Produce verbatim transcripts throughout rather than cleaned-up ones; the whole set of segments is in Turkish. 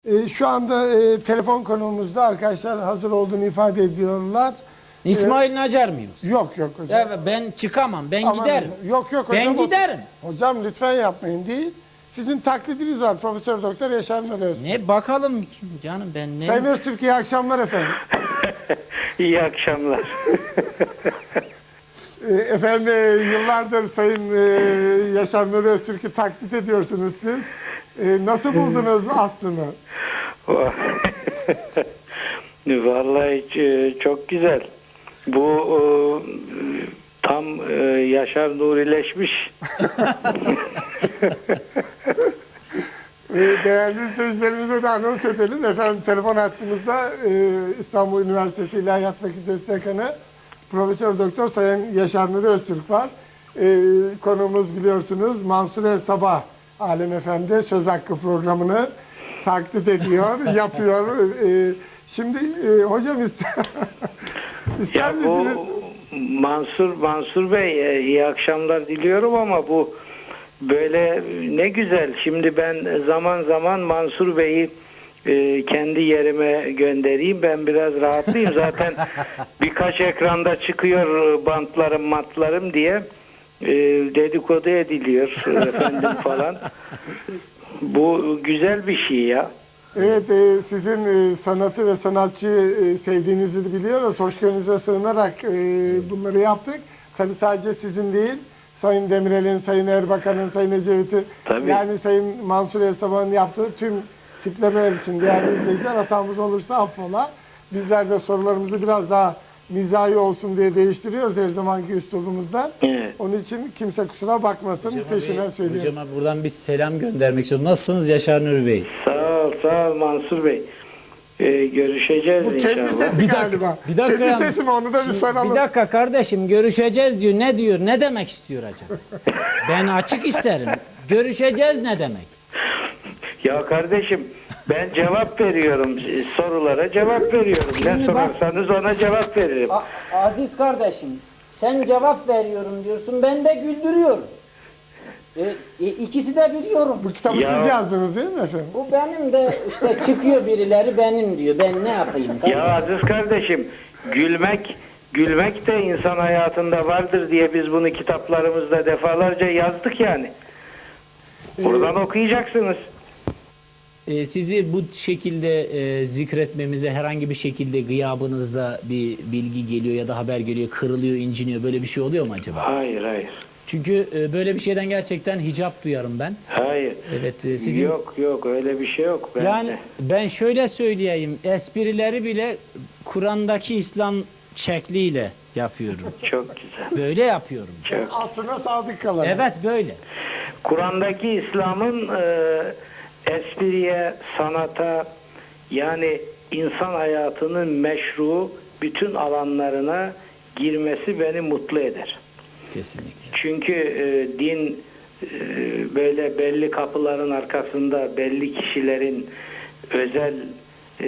E, şu anda e, telefon konuğumuzda arkadaşlar hazır olduğunu ifade ediyorlar. İsmail ee, Nacar mıyız? Yok yok hocam. Evet, ben çıkamam, ben Aman giderim. Hocam. Yok yok hocam. Ben giderim. Hocam lütfen yapmayın değil. Sizin taklidiniz var Profesör Doktor Yaşar Nuri Öztürk. Ne bakalım canım ben ne? Sayın Öztürk iyi akşamlar efendim. İyi akşamlar. Efendim yıllardır Sayın Yaşar Nuri Öztürk'ü taklit ediyorsunuz siz. Nasıl buldunuz aslını? Vallahi çok güzel. Bu tam Yaşar Nurileşmiş. Değerli izleyicilerimize de anons edelim. Efendim telefon hattımızda İstanbul Üniversitesi İlahiyat Fakültesi Dekanı Profesör Doktor Sayın Yaşar Nuri Öztürk var. Konuğumuz biliyorsunuz Mansur Sabah Alem Efendi Söz Hakkı programını taklit ediyor, yapıyor. Şimdi hocam ister, ister ya bu Mansur Mansur Bey iyi akşamlar diliyorum ama bu böyle ne güzel. Şimdi ben zaman zaman Mansur Bey'i e, kendi yerime göndereyim. Ben biraz rahatlayayım. Zaten birkaç ekranda çıkıyor bantlarım matlarım diye e, dedikodu ediliyor efendim falan. Bu güzel bir şey ya. Evet, e, sizin e, sanatı ve sanatçıyı e, sevdiğinizi biliyoruz. Hoşgörünüze sığınarak e, bunları yaptık. Tabii sadece sizin değil, Sayın Demirel'in, Sayın Erbakan'ın, Sayın Ecevit'in, yani Sayın Mansur Esaba'nın yaptığı tüm tiplemeler için değerli izleyiciler, hatamız olursa affola. Bizler de sorularımızı biraz daha mizahi olsun diye değiştiriyoruz her zamanki üslubumuzdan. Evet. Onun için kimse kusura bakmasın, Hocam peşinden söylüyorum. Hocama buradan bir selam göndermek istiyorum. Nasılsınız Yaşar Nuri Bey? Sağ ol, sağ ol Mansur Bey. Ee, görüşeceğiz Bu inşallah. kendi sesi Bir dakika, galiba. bir dakika kendi ya. sesi mi onu da bir Şimdi, soralım. bir dakika kardeşim, görüşeceğiz diyor. Ne diyor? Ne demek istiyor acaba? Ben açık isterim. Görüşeceğiz ne demek? Ya kardeşim ben cevap veriyorum. Sorulara cevap veriyorum. Şimdi Ne bak- sorarsanız ona cevap veririm. A- Aziz kardeşim, sen cevap veriyorum diyorsun, ben de güldürüyorum. E, e, ikisi de biliyorum. Bu kitabı Ya- siz yazdınız değil mi efendim? Bu benim de işte çıkıyor birileri benim diyor. Ben ne yapayım? Ya Aziz kardeşim gülmek gülmek de insan hayatında vardır diye biz bunu kitaplarımızda defalarca yazdık yani. Buradan okuyacaksınız. Ee, sizi bu şekilde e, zikretmemize herhangi bir şekilde gıyabınızda bir bilgi geliyor ya da haber geliyor, kırılıyor, inciniyor, böyle bir şey oluyor mu acaba? Hayır hayır. Çünkü e, böyle bir şeyden gerçekten hicap duyarım ben. Hayır. Evet, e, sizin... Yok yok öyle bir şey yok. Ben Yani de. ben şöyle söyleyeyim, esprileri bile Kur'an'daki İslam şekliyle yapıyorum. Çok güzel. Böyle yapıyorum. Çok. Aslına sadık kalan. Evet, böyle. Kur'an'daki İslam'ın e, espriye, sanata yani insan hayatının meşru bütün alanlarına girmesi beni mutlu eder. Kesinlikle. Çünkü e, din e, böyle belli kapıların arkasında belli kişilerin özel e,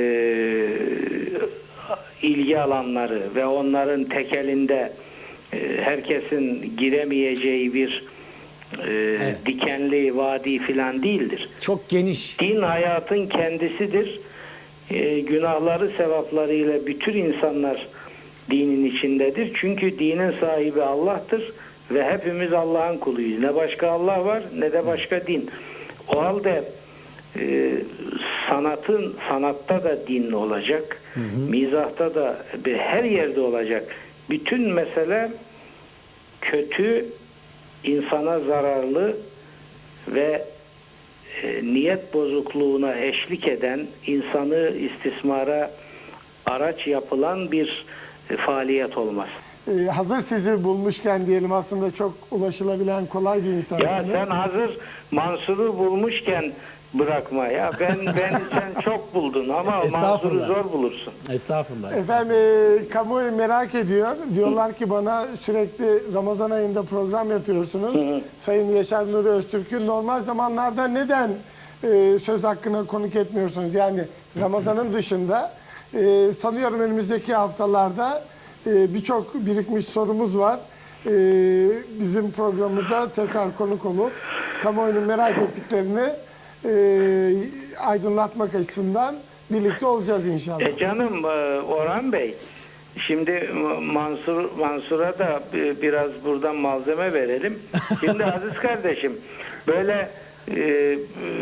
ilgi alanları ve onların tekelinde e, herkesin giremeyeceği bir e, Evet. dikenli vadi filan değildir. Çok geniş. Din hayatın kendisidir. E, günahları sevaplarıyla bütün insanlar dinin içindedir. Çünkü dinin sahibi Allah'tır ve hepimiz Allah'ın kuluyuz. Ne başka Allah var ne de başka din. O halde e, sanatın sanatta da din olacak. Hı hı. Mizahta da bir, her yerde olacak. Bütün mesele kötü, insana zararlı ve e, niyet bozukluğuna eşlik eden, insanı istismara araç yapılan bir e, faaliyet olmaz. Ee, hazır sizi bulmuşken diyelim, aslında çok ulaşılabilen kolay bir insansınız. Ya sen hazır Mansur'u bulmuşken bırakma ya. Ben ben sen çok buldun ama Mansur'u zor bulursun. Estağfurullah. Efendim e, kamuoyu merak ediyor. Diyorlar ki bana, sürekli Ramazan ayında program yapıyorsunuz. Hı hı. Sayın Yaşar Nuri Öztürk'ü normal zamanlarda neden e, söz hakkına konuk etmiyorsunuz? Yani Ramazan'ın dışında e, sanıyorum önümüzdeki haftalarda e, birçok birikmiş sorumuz var. E, bizim programımıza tekrar konuk olup kamuoyunun merak ettiklerini e, aydınlatmak açısından birlikte olacağız inşallah. E canım e, Orhan Bey, şimdi Mansur Mansur'a da e, biraz buradan malzeme verelim. Şimdi Aziz kardeşim, böyle e, e,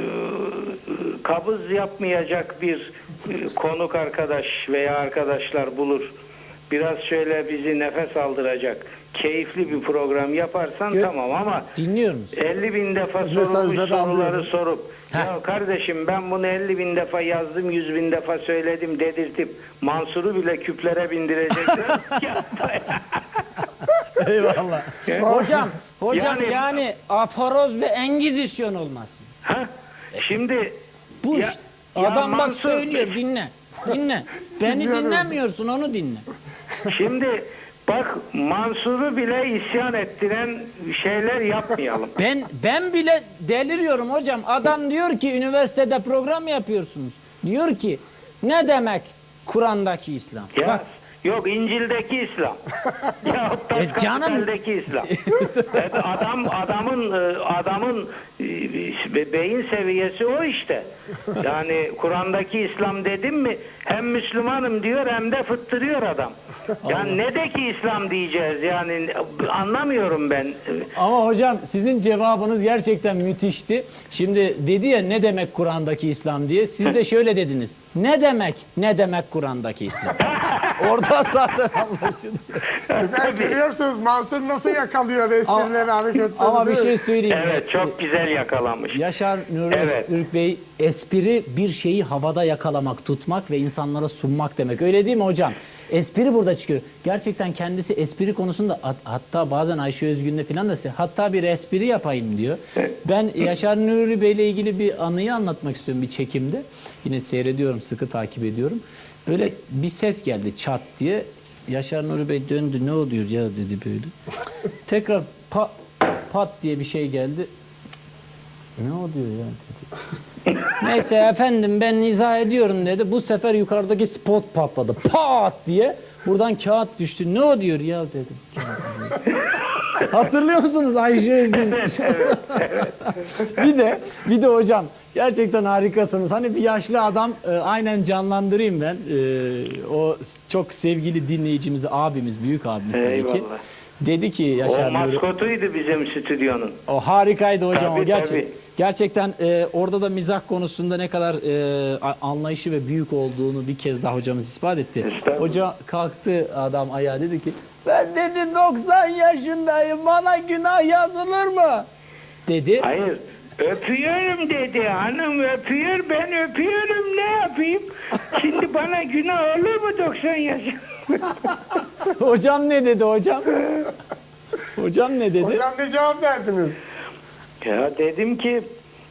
kabız yapmayacak bir e, konuk arkadaş veya arkadaşlar bulur. Biraz şöyle bizi nefes aldıracak, keyifli bir program yaparsan Gö- tamam, ama Dinliyorum. elli bin defa Mesajları sorulmuş soruları alıyorum. sorup Heh. ya kardeşim ben bunu elli bin defa yazdım, yüz bin defa söyledim dedirtip Mansur'u bile küplere bindirecekler. Yapma ya. Eyvallah. Hocam, hocam Yani- yani, aforoz ve engizisyon olmasın. Ha? Şimdi Bu ya- işte. ya Adam bak Mansur, söylüyor, dinle. Dinle. Beni Dinliyorum. dinlemiyorsun, onu dinle. Şimdi bak, Mansur'u bile isyan ettiren şeyler yapmayalım. Ben ben bile deliriyorum hocam. Adam diyor ki üniversitede program yapıyorsunuz. Diyor ki ne demek Kur'an'daki İslam? Ya Bak, yok, İncil'deki İslam. Ya E canım. Kapital'deki İslam. Evet, adam adamın e, adamın e, beyin seviyesi o işte. Yani Kur'an'daki İslam dedim mi hem Müslümanım diyor hem de fıttırıyor adam. Yani ne de ki İslam diyeceğiz, yani anlamıyorum ben. ama hocam sizin cevabınız gerçekten müthişti. Şimdi dedi ya ne demek Kur'an'daki İslam diye. Siz de şöyle dediniz. Ne demek ne demek Kur'an'daki İslam? Orada zaten anlaşılıyor. Ben görüyorsunuz Mansur nasıl yakalıyor esprileri, hareketleri. Ama bir değil mi? şey söyleyeyim. Evet, çok güzel yakalamış. Yaşar Nuri Evet. Öztürk Bey, espri bir şeyi havada yakalamak, tutmak ve insanlara sunmak demek. Öyle değil mi hocam? Espri burada çıkıyor. Gerçekten kendisi espri konusunda hat- hatta bazen Ayşe Özgün'le falan da size, hatta bir espri yapayım diyor. Ben Yaşar Nuri Bey ile ilgili bir anıyı anlatmak istiyorum bir çekimde. Yine seyrediyorum, sıkı takip ediyorum. Böyle bir ses geldi çat diye. Yaşar Nuri Bey döndü, ne oluyor ya dedi böyle. Tekrar pa, pat diye bir şey geldi. Ne oluyor ya dedi. Neyse efendim ben izah ediyorum dedi. Bu sefer yukarıdaki spot patladı. Pat diye. Buradan kağıt düştü. Ne o diyor ya dedim. Hatırlıyor musunuz Ayşe Özgün? bir de bir de hocam gerçekten harikasınız. Hani bir yaşlı adam e, aynen canlandırayım ben. E, o çok sevgili dinleyicimizi, abimiz, büyük abimiz tabii ki. Eyvallah. Dedi ki O Yaşar Nuri. maskotuydu bizim stüdyonun. O harikaydı hocam. Tabii, o gerçek, tabii. Gerçekten e, orada da mizah konusunda ne kadar e, a- anlayışı ve büyük olduğunu bir kez daha hocamız ispat etti. Estağfurullah. Hoca kalktı adam ayağa dedi ki ben dedi doksan yaşındayım, bana günah yazılır mı? Dedi. Hayır. Öpüyorum dedi. Hanım öpüyor, ben öpüyorum, ne yapayım? Şimdi bana günah olur mu doksan yaş? Hocam ne dedi hocam? Hocam ne dedi? Hocam ne cevap verdiniz? Ya dedim ki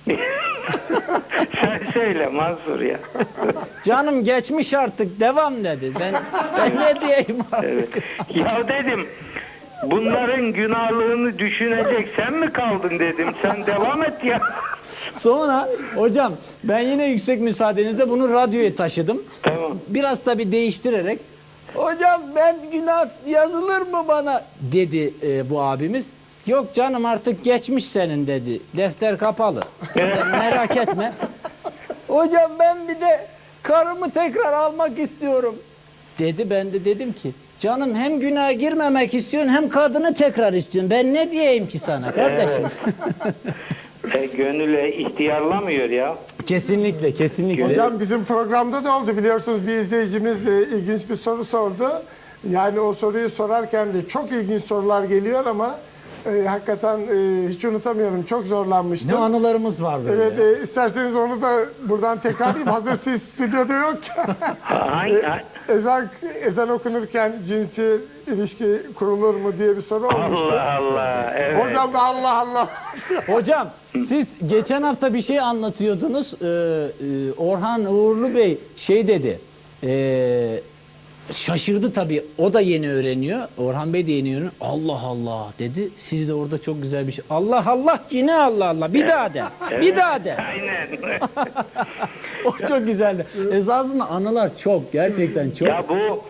sen söyle Mansur ya. Canım geçmiş artık, devam dedi. Ben ben ne diyeyim artık? Evet. Ya dedim, bunların günahlığını düşünecek sen mi kaldın dedim. Sen devam et ya. Sonra hocam ben yine yüksek müsaadenizle bunu radyoya taşıdım. Tamam. Biraz tabii değiştirerek hocam ben günah yazılır mı bana dedi e, bu abimiz. Yok canım artık geçmiş senin dedi. Defter kapalı. Sen merak etme. Hocam ben bir de karımı tekrar almak istiyorum dedi. Ben de dedim ki canım hem günaha girmemek istiyorsun hem kadını tekrar istiyorsun. Ben ne diyeyim ki sana kardeşim? E, gönüle ihtiyarlamıyor ya. Kesinlikle, kesinlikle. Hocam bizim programda da oldu biliyorsunuz, bir izleyicimiz e, ilginç bir soru sordu. Yani o soruyu sorarken de çok ilginç sorular geliyor ama e, hakikaten e, hiç unutamıyorum, çok zorlanmıştım. Ne anılarımız var böyle. Evet, ya. e, isterseniz onu da buradan tekrarlayayım. Hazır siz stüdyoda yokken. Hangi, ha- ezan, ezan okunurken cinsi ilişki kurulur mu diye bir soru olmuştu. Allah Allah. Evet. Hocam da Allah Allah. Hocam siz geçen hafta bir şey anlatıyordunuz. Ee, e, Orhan Uğurlu Bey şey dedi. E, şaşırdı tabii. O da yeni öğreniyor. Orhan Bey de yeni öğreniyor. Allah Allah dedi. Siz de orada çok güzel bir şey. Allah Allah yine Allah Allah. Bir daha de. Bir daha de. Aynen. O çok güzeldi. Esasında anılar çok. Gerçekten çok. Ya bu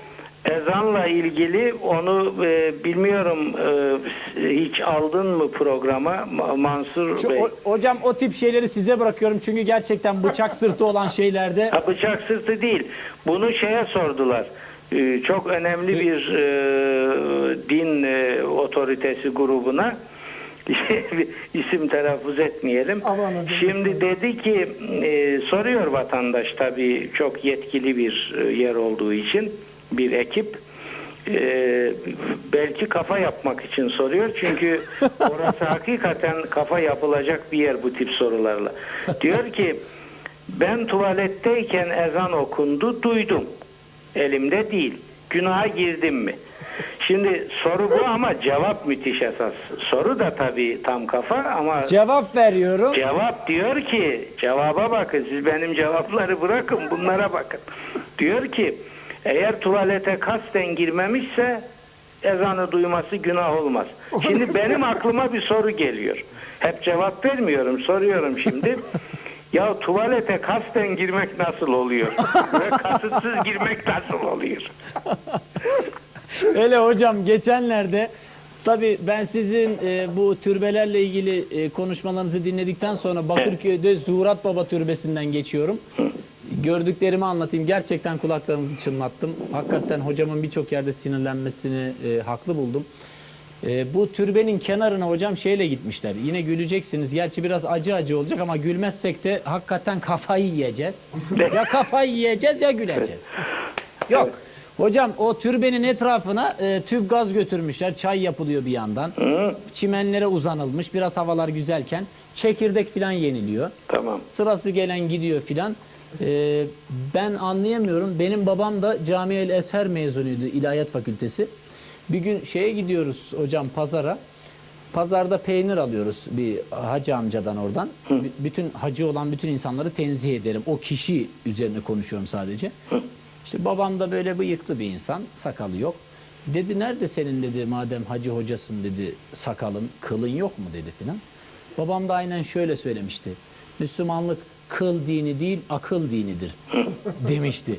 Ezanla ilgili onu e, bilmiyorum, e, hiç aldın mı programa Ma- Mansur Şu, Bey? o- hocam o tip şeyleri size bırakıyorum çünkü gerçekten bıçak sırtı olan şeylerde Ha, bıçak sırtı değil. Bunu şeye sordular. Ee, çok önemli bir e, din e, otoritesi grubuna. isim telaffuz etmeyelim. Aman hocam. Şimdi dedi ki e, soruyor vatandaş, tabii çok yetkili bir e, yer olduğu için, bir ekip. E, belki kafa yapmak için soruyor. Çünkü orası hakikaten kafa yapılacak bir yer bu tip sorularla. Diyor ki ben tuvaletteyken ezan okundu, duydum. Elimde değil. Günaha girdim mi? Şimdi soru bu ama cevap müthiş esas. Soru da tabii tam kafa ama cevap veriyorum. cevap diyor ki, cevaba bakın, siz benim cevapları bırakın, bunlara bakın. Diyor ki eğer tuvalete kasten girmemişse ezanı duyması günah olmaz. Şimdi benim aklıma bir soru geliyor. Hep cevap vermiyorum, soruyorum şimdi. Ya tuvalete kasten girmek nasıl oluyor? Ve kasıtsız girmek nasıl oluyor? Öyle hocam, geçenlerde tabii ben sizin e, bu türbelerle ilgili e, konuşmalarınızı dinledikten sonra Bakırköy'de Zuhurat Baba Türbesi'nden geçiyorum. Gördüklerimi anlatayım. Gerçekten kulaklarımı çınlattım. Hakikaten hocamın birçok yerde sinirlenmesini e, haklı buldum. E, bu türbenin kenarına hocam şeyle gitmişler. Yine güleceksiniz. Gerçi biraz acı acı olacak ama gülmezsek de hakikaten kafayı yiyeceğiz. Ya kafayı yiyeceğiz ya güleceğiz. Yok. Hocam o türbenin etrafına e, tüp gaz götürmüşler. Çay yapılıyor bir yandan. Çimenlere uzanılmış. Biraz havalar güzelken çekirdek filan yeniliyor. Tamam. Sırası gelen gidiyor filan. E, ben anlayamıyorum. Benim babam da Cami-el Ezher mezunuydu, İlahiyat Fakültesi. Bir gün şeye gidiyoruz hocam, pazara. Pazarda peynir alıyoruz bir hacı amcadan oradan. B- bütün hacı olan bütün insanları tenzih ederim. O kişi üzerine konuşuyorum sadece. İşte babam da böyle bıyıklı bir insan, sakalı yok. Dedi nerede senin dedi, madem hacı hocasın dedi, sakalın, kılın yok mu dedi filan. Babam da aynen şöyle söylemişti. Müslümanlık kıl dini değil, akıl dinidir demişti.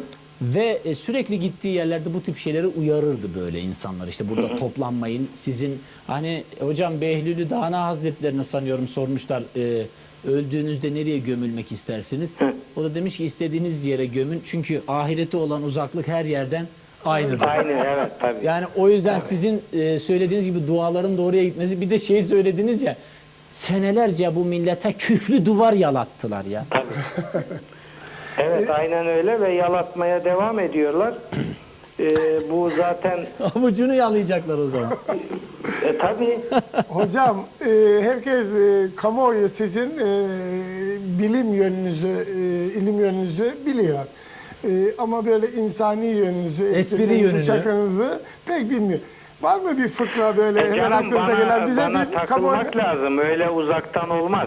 Ve e, sürekli gittiği yerlerde bu tip şeyleri uyarırdı böyle insanlar. İşte burada toplanmayın. Sizin hani hocam Behlül'ü Dana Hazretlerini sanıyorum sormuşlar. E, öldüğünüzde nereye gömülmek istersiniz? O da demiş ki istediğiniz yere gömün. Çünkü ahirete olan uzaklık her yerden aynıdır. Aynı, evet tabii. Yani o yüzden sizin e, söylediğiniz gibi duaların doğruya gitmesi. Bir de şey söylediniz ya, senelerce bu millete küflü duvar yalattılar ya. Tabii. Evet, aynen öyle ve yalatmaya devam ediyorlar. Ee, bu zaten Avucunu yalayacaklar o zaman. e, tabii Hocam e, herkes e, kamuoyu sizin e, bilim yönünüzü, e, ilim yönünüzü biliyor. E, ama böyle insani yönünüzü, Espri esprinizi, yönünü. şakanızı pek bilmiyor. Var mı bir fıkra böyle E hemen canım, aklınıza bana, gelen bize bana bir takılmak lazım. Öyle uzaktan olmaz.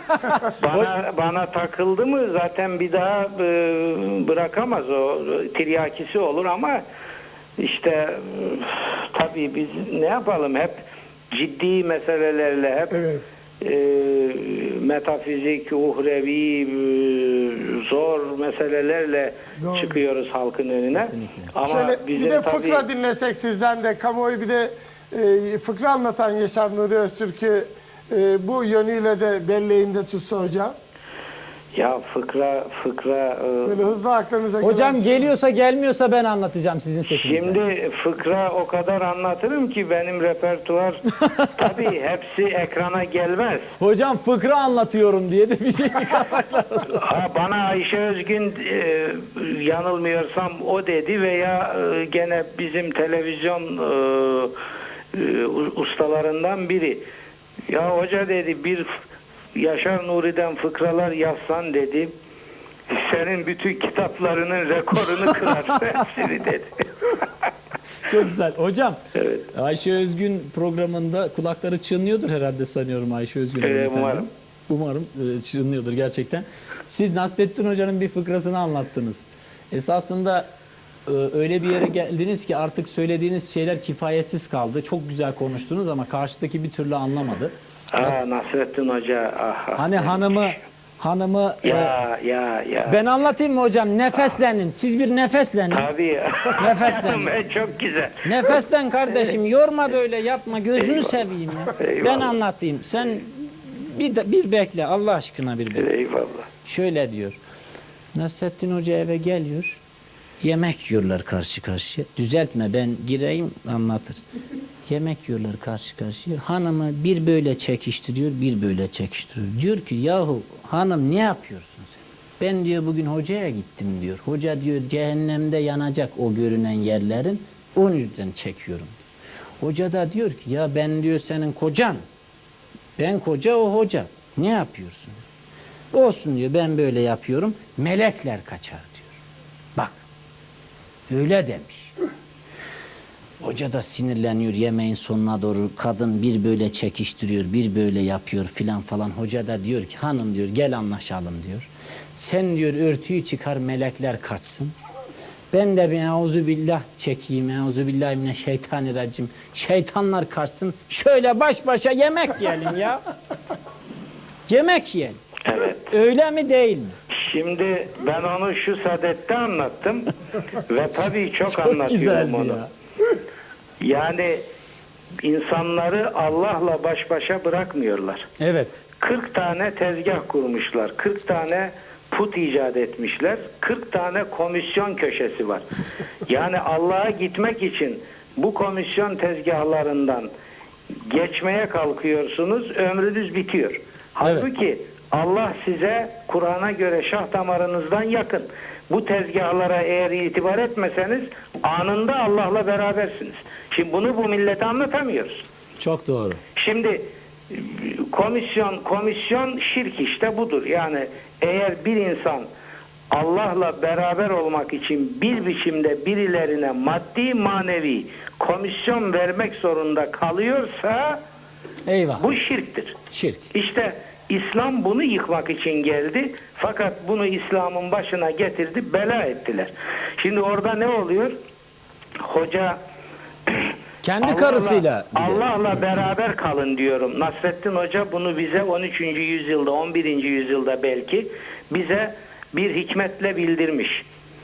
bana bana takıldı mı zaten bir daha e, bırakamaz o. Tiryakisi olur ama işte e, tabii biz ne yapalım, hep ciddi meselelerle, hep Evet. e, metafizik, uhrevi, e, zor meselelerle Doğru. çıkıyoruz halkın önüne. Kesinlikle. Ama Şöyle bizim bir de tabii fıkra dinlesek sizden de, kamuoyu bir de e, fıkra anlatan Yaşar Nuri Öztürk'ü e, bu yönüyle de belleğinde tutsa hocam. ya fıkra fıkra e, Böyle hızlı aklınıza Hocam gelen- geliyorsa gelmiyorsa ben anlatacağım sizin sesinizle. şimdi fıkra o kadar anlatırım ki benim repertuar tabii hepsi ekrana gelmez. Hocam fıkra anlatıyorum diye de bir şey çıkarmak lazım. Ha, bana Ayşe Özgün e, yanılmıyorsam o dedi veya e, gene bizim televizyon e, e, ustalarından biri. Ya hoca dedi, bir Yaşar Nuri'den fıkralar yazsan dedi, senin bütün kitaplarının rekorunu kırar hepsini dedi. Çok güzel. Hocam Evet. Ayşe Özgün programında kulakları çınlıyordur herhalde sanıyorum Ayşe Özgün. Evet, hanımefendi. umarım. Umarım e, çınlıyordur gerçekten. Siz Nasrettin Hoca'nın bir fıkrasını anlattınız. Esasında e, öyle bir yere geldiniz ki artık söylediğiniz şeyler kifayetsiz kaldı. Çok güzel konuştunuz ama karşıdaki bir türlü anlamadı. Aa, Nasrettin Hoca. Ah, ah. Hani hanımı hanımı e, Ya ya ya. ben anlatayım mı hocam? Nefeslenin. Siz bir nefeslenin. Tabii ya. Nefeslen. E, Çok güzel. Nefeslen kardeşim. Yorma böyle, yapma. Gözünü Eyvallah. seveyim ya. Eyvallah. Ben anlatayım. Sen bir de, bir bekle. Allah aşkına bir bekle. Eyvallah. Şöyle diyor. Nasrettin Hoca eve geliyor. Yemek yiyorlar karşı karşıya. Düzeltme, ben gireyim anlatır. Yemek yiyorlar karşı karşıya. Hanımı bir böyle çekiştiriyor, bir böyle çekiştiriyor. Diyor ki yahu hanım ne yapıyorsun sen? Ben diyor bugün hocaya gittim diyor. Hoca diyor cehennemde yanacak o görünen yerlerin. Onun yüzden çekiyorum diyor. Hoca da diyor ki ya ben diyor senin kocan. Ben koca, o hoca. Ne yapıyorsun? Olsun diyor, ben böyle yapıyorum. Melekler kaçar diyor. Bak. Öyle demiş. Hoca da sinirleniyor yemeğin sonuna doğru. Kadın bir böyle çekiştiriyor, bir böyle yapıyor filan falan. Hoca da diyor ki hanım diyor gel anlaşalım diyor. Sen diyor örtüyü çıkar, melekler kaçsın. Ben de bir euzubillah çekeyim. Euzubillahimineşşeytanirracim. Şeytanlar kaçsın. Şöyle baş başa yemek yiyelim ya. Yemek yiyelim. Evet. Öyle mi değil mi? Şimdi ben onu şu sadette anlattım ve tabii çok, Çok anlatıyorum güzeldi onu. ya. Yani insanları Allah'la baş başa bırakmıyorlar. Evet. kırk tane tezgah kurmuşlar. kırk tane put icat etmişler. kırk tane komisyon köşesi var. Yani Allah'a gitmek için bu komisyon tezgahlarından geçmeye kalkıyorsunuz, ömrünüz bitiyor. Halbuki Allah size Kur'an'a göre şah damarınızdan yakın. Bu tezgahlara eğer itibar etmeseniz anında Allah'la berabersiniz. Şimdi bunu bu millete anlatamıyoruz. Çok doğru. Şimdi komisyon komisyon şirk işte budur. Yani eğer bir insan Allah'la beraber olmak için bir biçimde birilerine maddi manevi komisyon vermek zorunda kalıyorsa Eyvah. bu şirktir. Şirk. İşte İslam bunu yıkmak için geldi. Fakat bunu İslam'ın başına getirdi, bela ettiler. Şimdi orada ne oluyor? Hoca Kendi Allah'la- karısıyla. bir de. Allah'la beraber kalın diyorum. Nasrettin Hoca bunu bize on üçüncü yüzyılda, on birinci yüzyılda belki bize bir hikmetle bildirmiş.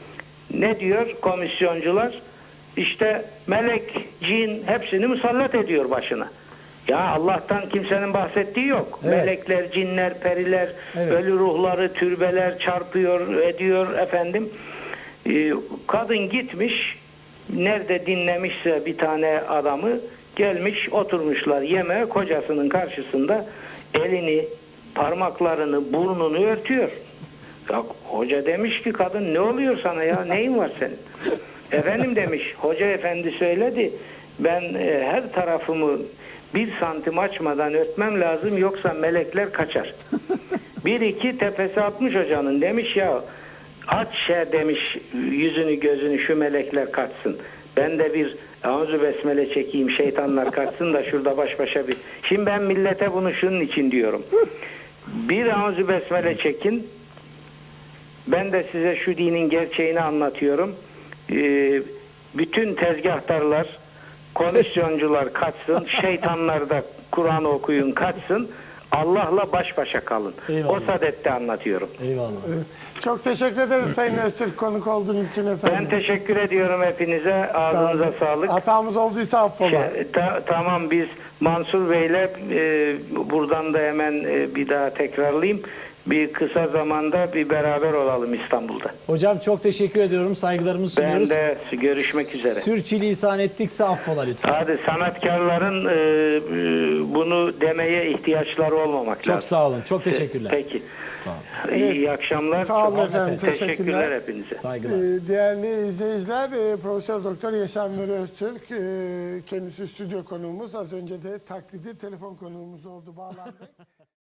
Ne diyor komisyoncular? İşte melek, cin hepsini musallat ediyor başına. Ya Allah'tan kimsenin bahsettiği yok. Evet. Melekler, cinler, periler, Evet. ölü ruhları, türbeler çarpıyor, ediyor efendim. Ee, kadın gitmiş, nerede dinlemişse bir tane adamı, gelmiş oturmuşlar yemeğe, kocasının karşısında elini, parmaklarını, burnunu örtüyor. Ya, hoca demiş ki kadın ne oluyor sana ya, neyin var senin? Efendim demiş, hoca efendi söyledi, ben e, her tarafımı bir santim açmadan örtmem lazım, yoksa melekler kaçar. Bir iki tepesi atmış hocanın, demiş ya aç şey demiş, yüzünü gözünü, şu melekler kaçsın. Ben de bir Euzu besmele çekeyim, şeytanlar kaçsın da şurada baş başa bir. Şimdi ben millete bunu şunun için diyorum. Bir Euzu besmele çekin. Ben de size şu dinin gerçeğini anlatıyorum. Ee, bütün tezgahtarlar, komisyoncular kaçsın, şeytanlar da Kur'an okuyun kaçsın, Allah'la baş başa kalın. Eyvallah. O sadette anlatıyorum. Eyvallah. Çok teşekkür ederiz Sayın Öztürk konuk olduğunuz için efendim. Ben teşekkür ediyorum hepinize. Ağzınıza sağlık. Hatamız olduysa affola. Şey, ta- tamam, biz Mansur Bey'le e, buradan da hemen e, bir daha tekrarlayayım. Bir kısa zamanda bir beraber olalım İstanbul'da. Hocam çok teşekkür ediyorum. Saygılarımızı Ben sunuyoruz. de görüşmek üzere. Sürçülisan ettikse affola lütfen. Hadi sanatkarların e, e, bunu demeye ihtiyaçları olmamak Çok lazım. sağ olun. Çok teşekkürler. Peki. Sağ olun. İyi, iyi akşamlar. Sağ olun Çok efendim, Teşekkürler teşekkürler. hepinize. Saygılar. Ee, Değerli izleyiciler, e, Profesör Doktor Yaşar Nuri Öztürk, e, kendisi stüdyo konuğumuz. Az önce de taklidi telefon konuğumuz oldu, bağlandı.